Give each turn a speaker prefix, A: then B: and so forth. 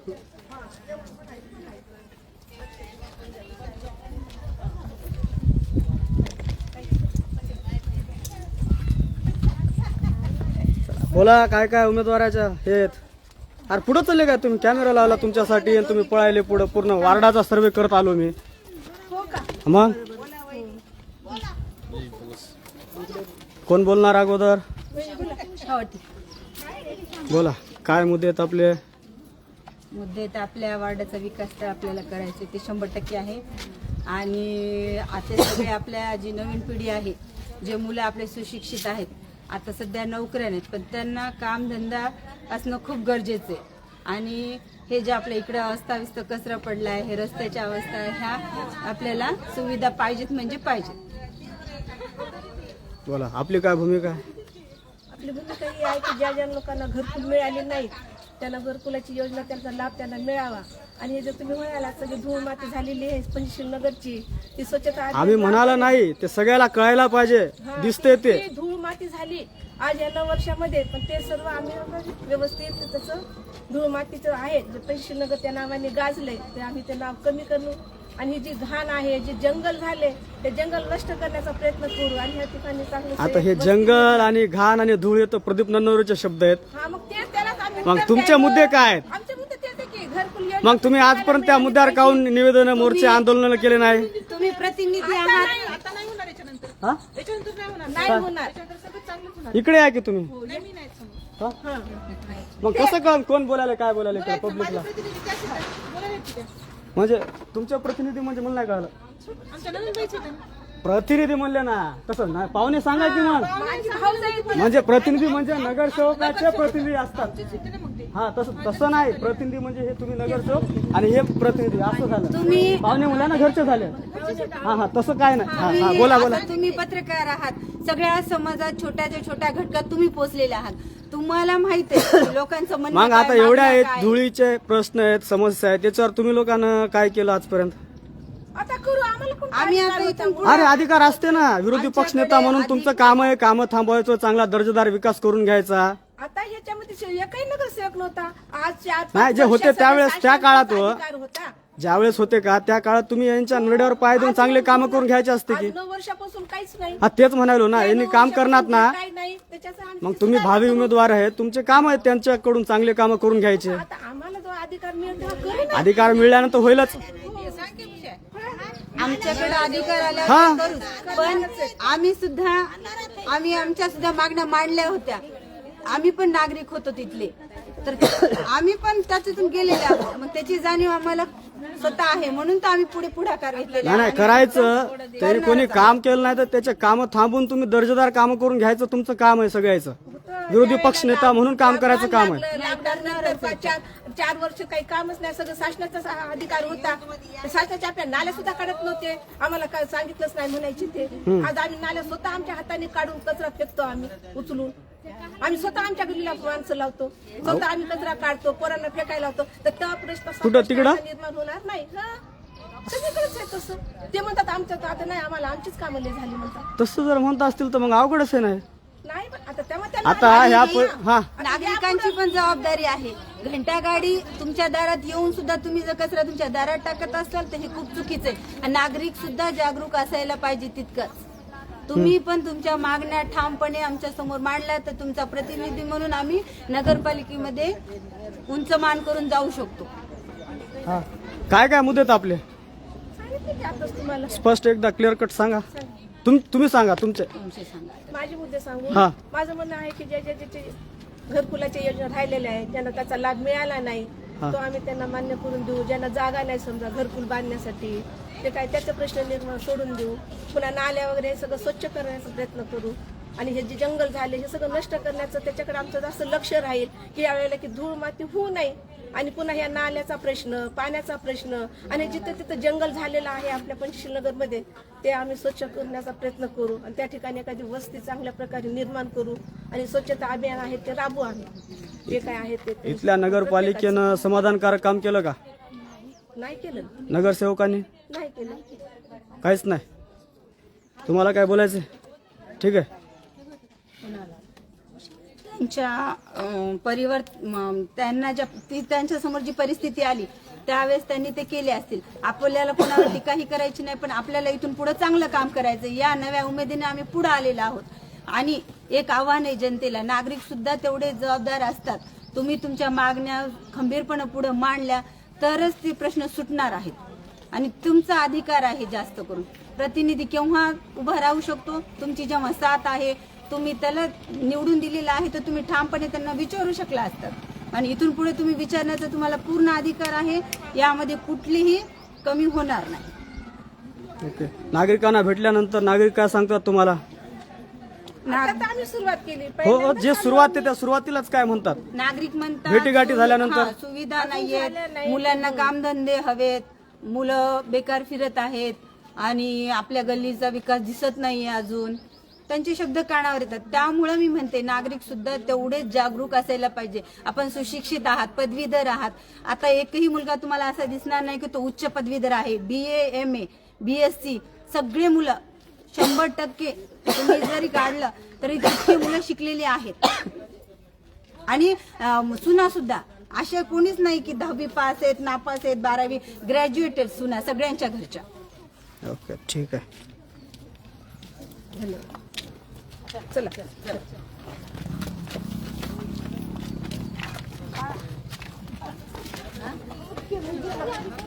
A: बोला काय काय उमेदवाराच्या हे आहेत. अरे पुढे चालले काय तुम्ही? कॅमेरा लावला तुमच्यासाठी आणि तुम्ही पळायले पुढे. पूर्ण वार्डाचा सर्वे करत आलो मी. मग कोण बोलणार अगोदर? बोला काय मुद्दे आहेत आपले?
B: मुद्दे तर आपल्या वार्डाचा विकास तर आपल्याला करायचे ते 100% आहे. आणि आता सगळे आपल्या जी नवीन पिढी आहे, जे मुलं आपले सुशिक्षित आहेत, आता सध्या नोकऱ्या नाहीत, पण त्यांना कामधंदा असणं खूप गरजेचं आहे. आणि हे जे आपल्या इकडं अस्ताव्यस्त कचरा पडला आहे, हे रस्त्याच्या अवस्था आहे, ह्या आपल्याला सुविधा पाहिजेत म्हणजे पाहिजेत.
A: बोला आपली काय भूमिका आहे?
C: आपली भूमिका ही आहे की ज्या ज्या लोकांना घरकुल मिळाले नाहीत त्यांना घरकुलाची योजना, त्यांचा लाभ त्यांना मिळावा. आणि हे जर तुम्ही म्हणाला सगळी धूळ माती झालेली आहे पंचशील नगरची, ती स्वच्छता
A: आम्ही म्हणाला नाही, ते सगळ्याला कळायला पाहिजे. दिसते ते
C: धूळ माती झाली आज या 9 वर्षामध्ये, पण ते सर्व आम्ही व्यवस्थित तसं धूळ मातीचं आहे जे पंचशील नगर त्या नावाने गाजलंय ते आम्ही ते नाव कमी करू. आणि ही जी घाण आहे, जे जंगल झाले ते जंगल नष्ट करण्याचा प्रयत्न करू. आणि ह्या ठिकाणी चांगलं
A: आता हे जंगल आणि घाण आणि धूळ येतं प्रदीप नन्नवरेचे शब्द आहेत.
C: हा मग ते त्यालाच आम्ही
A: मग तुमचे मुद्दे काय आहेत?
C: आमचे मुद्दे तेच आहे की घरकुल योजना.
A: मग तुम्ही आजपर्यंत त्या मुद्द्यावर काहून निवेदन, मोर्चे, आंदोलन केले नाही?
B: तुम्ही प्रतिनिधी आहात.
C: आता नाही होणार याच्यानंतर,
A: हा?
C: याच्यानंतर नाही होणार. सगळं चांगलं होणार.
A: इकडे आहे की तुम्ही?
C: नेहमी नाही समोर.
A: हा? मग कसं कळ कोण बोलायला काय बोलायला पब्लिकला? म्हणजे तुमच्या प्रतिनिधी म्हणजे मला नाही कळलं.
C: आमच्या नवीन बाईच होते ना.
A: प्रतिनिधी म्हणले ना, तसं नाही पाहुणे सांगा की मग.
C: माझी भाऊजाई पण
A: म्हणजे प्रतिनिधी म्हणजे नगरसेवकाचे प्रतिनिधी असतात. हा तसं नाही. प्रतिनिधी म्हणजे हे तुम्ही नगरसेवक आणि हे प्रतिनिधी असं झालं.
B: तुम्ही
A: पाहुणे मुलांना घरचे झाले. हा तसं काय नाही. हा बोला बोला.
B: आता तुम्ही पत्रकार आहात, सगळ्या समाजात छोट्याच्या छोट्या घटकात तुम्ही पोहोचलेले आहात. तुम्हाला माहित आहे की लोकांचं म्हणणं
A: मग
B: काय,
A: आता एवढ्या
B: मागण्या
A: आहेत,
B: काय.
A: धुळीचे प्रश्न आहेत, समस्या आहेत, त्याच्यावर तुम्ही लोकांना काय केलं आजपर्यंत?
C: आता करू आम्हाला पण
B: आम्ही आता इथून पुढे-
A: अरे अधिकार असते ना, विरोधी पक्ष नेता म्हणून तुमचं काम आहे, कामं थांबवायचं, चांगला दर्जेदार विकास करून घ्यायचा.
C: आता ह्याच्यामध्ये एकही नगरसेवक नव्हता. आज 4-5
A: नाही, जे होते त्यावेळेस, त्या काळात हो.
C: अधिकार होता.
A: ज्यावेळेस होते का त्या काळात तुम्ही यांच्या नरड्यावर पाय देऊन चांगले कामं करून घ्यायचे असते की.
C: आज 9 वर्षापासून काहीच नाही.
A: हा तेच म्हणालो ना, यांनी काम करणार ना.
C: काही नाही त्याच्याचं आम्ही
A: मग तुम्ही भावी उमेदवार आहेत, तुमचे काम आहेत त्यांच्याकडून चांगले कामं करून घ्यायचे.
C: आता आम्हाला जो अधिकार मिळेल तेव्हा करू ना.
A: अधिकार मिळाल्यानंतर होईलच.
B: आमच्याकडे अधिकार
A: हा.
B: आल्यावर करू. पण आम्ही आमच्या सुद्धा मागण्या मांडल्या होत्या. आम्ही पण नागरिक होतो तिथले, तर आम्ही पण त्याच्यातून गेलेले आहोत. मग त्याची जाणीव आम्हाला स्वतः आहे, म्हणून तर आम्ही पुढाकार घेतलेला
A: नाही करायचं. तरी कोणी काम केलं नाही तर त्याचे काम थांबून तुम्ही दर्जेदार कामं करून घ्यायचं तुमचं काम आहे सगळ्याचं. विरोधी पक्ष नेता म्हणून काम करायचं काम आहे.
C: लॉकडाऊन 4 वर्ष काही कामच नाही. सगळं शासनाचा अधिकार होता. शासनाच्या आपल्या नाल्या सुद्धा काढत नव्हते. आम्हाला काय सांगितलंच नाही म्हणायचे ते. आज आम्ही नाल्या स्वतः आमच्या हाताने काढून कचरा फेकतो. आम्ही उचलून आम्ही स्वतः आमच्या गल्लीला माणसं लावतो. स्वतः आम्ही कचरा काढतो, पोरांना फेकायला लावतो. तर त्या प्रश्न
A: कुठं तिकडं?
C: निर्माण होणार नाही. सगळीकडेच आहे तसं. ते म्हणतात आमच्या आता नाही, आम्हाला आमचीच कामं लई झाली म्हणतात.
A: तसं जर म्हणत असतील तर मग अवघडच आहे नाही.
C: नाही पण आता तेव्हा त्यांना
A: आता ह्या हा
B: नागरिकांची पण जबाबदारी आहे. घंटा गाडी तुमच्या दारात येऊन सुद्धा तुम्ही जर कचरा तुमच्या दारात टाकत असाल तर हे खूप चुकीचं आहे. आणि नागरिक सुद्धा जागरूक असायला पाहिजे तितकंच. तुम्ही पण तुमच्या मागण्या ठामपणे आमच्या समोर मांडल्या तर तुमचा प्रतिनिधी म्हणून आम्ही नगरपालिकेमध्ये उंच मान करून जाऊ शकतो.
A: हा काय काय मुद्दे आहेत आपले?
C: सांगितलं की आताच तुम्हाला.
A: स्पष्ट एकदा क्लिअर कट सांगा. तुम्ही सांगा तुमचे.
C: माझे मुद्दे सांगू.
A: हा.
C: माझं म्हणणं आहे की ज्याचे घरकुलाच्या योजना राहिलेल्या आहेत, ज्यांना त्याचा लाभ मिळाला नाही, तो आम्ही त्यांना मान्य करून देऊ. ज्यांना जागा नाही समजा घरकुल बांधण्यासाठी, ते काय त्याचा प्रश्न निर्माण सोडून देऊ. पुन्हा नाल्या वगैरे हे सगळं स्वच्छ करण्याचा प्रयत्न करू. आणि हे जे जंगल झाले हे सगळं नष्ट करण्याचं त्याच्याकडे आमचं जास्त लक्ष राहील की यावेळेला की धूळ माती होऊ नये. आणि पुन्हा ह्या नाल्याचा प्रश्न, पाण्याचा प्रश्न आणि जिथं तिथं जंगल झालेलं आहे आपल्या पंचशील नगरमध्ये ते आम्ही स्वच्छ करण्याचा प्रयत्न करू. आणि त्या ठिकाणी एखादी वस्ती चांगल्या प्रकारे निर्माण करू. आणि स्वच्छता अभियान आहे ते राबवू आम्ही. जे काय आहे ते
A: इथल्या नगरपालिकेनं समाधानकारक काम केलं का?
C: नाही केलं.
A: नगरसेवकांनी
C: नाही केलं.
A: काहीच नाही. तुम्हाला काय बोलायचं? ठीक आहे.
B: त्यांच्या त्यांना त्यांच्या समोर जी परिस्थिती आली त्यावेळेस त्यांनी ते केले असतील. आपल्याला कोणाला टीकाही करायची नाही, पण आपल्याला इथून पुढे चांगलं काम करायचं. या नव्या उमेदीने आम्ही पुढे आलेलो आहोत. आणि एक आव्हान आहे जनतेला, नागरिक सुद्धा तेवढे जबाबदार असतात. तुम्ही तुमच्या मागण्या खंबीरपणे पुढे मांडल्या तरच ते प्रश्न सुटणार आहेत. आणि तुमचा अधिकार आहे, जास्त करून प्रतिनिधी केव्हा उभा राहू शकतो, तुमची जेव्हा साथ आहे, तुम्ही त्याला निवडून दिलेला आहे, तर तुम्ही ठामपणे त्यांना विचारू शकला असतात. आणि इथून पुढे तुम्ही विचारण्याचा तुम्हाला पूर्ण अधिकार आहे, यामध्ये कुठलीही कमी होणार नाही.
A: ओके. नागरिकांना भेटल्यानंतर नागरिक काय सांगतात तुम्हाला?
C: आता आम्ही सुरुवात केली.
A: हो, जे सुरुवात आहे त्या सुरुवातीलाच काय म्हणतात?
B: नागरिक म्हणतात
A: भेटीगाठी झाल्यानंतर?
B: हा, सुविधा नाहीयेत, मुलांना कामधंदे हवेत, मुलं बेकार फिरत आहेत आणि आपल्या गल्लीचा विकास दिसत नाहीये अजून, त्यांचे शब्द कानावर येतात. त्यामुळे मी म्हणते नागरिक सुद्धा तेवढेच जागरूक असायला पाहिजे. आपण सुशिक्षित आहात, पदवीधर आहात. आता एकही मुलगा तुम्हाला असा दिसणार नाही की तो उच्च पदवीधर आहे. BA, MA, BSc सगळे मुलं 100% तुम्ही जरी काढलं तरी तितकी मुलं शिकलेली आहेत. आणि सुना सुद्धा अशा कोणीच नाही की 10वी पास आहेत, नापास आहेत, 12वी ग्रॅज्युएटेड सुना सगळ्यांच्या घरच्या.
A: ओके, ठीक आहे.
C: चला.